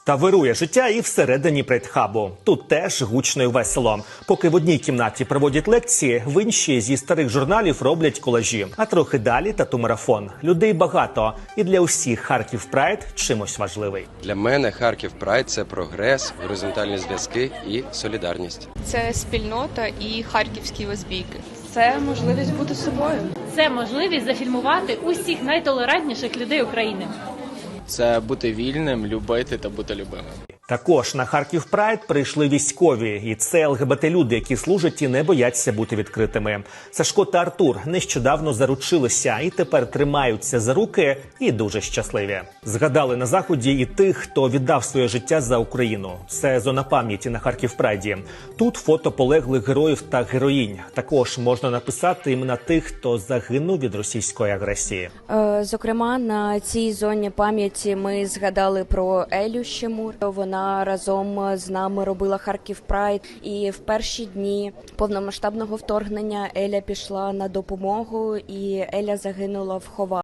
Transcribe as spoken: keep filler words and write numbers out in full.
Та вирує життя і всередині Прайд-хабу. Тут теж гучно і весело. Поки в одній кімнаті проводять лекції, в іншій зі старих журналів роблять колажі. А трохи далі тату-марафон. Людей багато. І для усіх Харків Прайд чимось важливий. Для мене Харків Прайд – це прогрес, горизонтальні зв'язки і солідарність. Це спільнота і харківські лесбійки. Це можливість бути собою. Це можливість зафільмувати усіх найтолерантніших людей України. Це бути вільним, любити та бути любимим. Також на Харків Прайд прийшли військові. І це ЛГБТ-люди, які служать і не бояться бути відкритими. Сашко та Артур нещодавно заручилися і тепер тримаються за руки і дуже щасливі. Згадали на Заході і тих, хто віддав своє життя за Україну. Це зона пам'яті на Харків Прайді. Тут фото полеглих героїв та героїнь. Також можна написати імена тих, хто загинув від російської агресії. Зокрема, на цій зоні пам'яті ми згадали про Елю Щемур. Вона разом з нами робила Харків Прайд. І в перші дні повномасштабного вторгнення Еля пішла на допомогу, і Еля загинула в Ховані.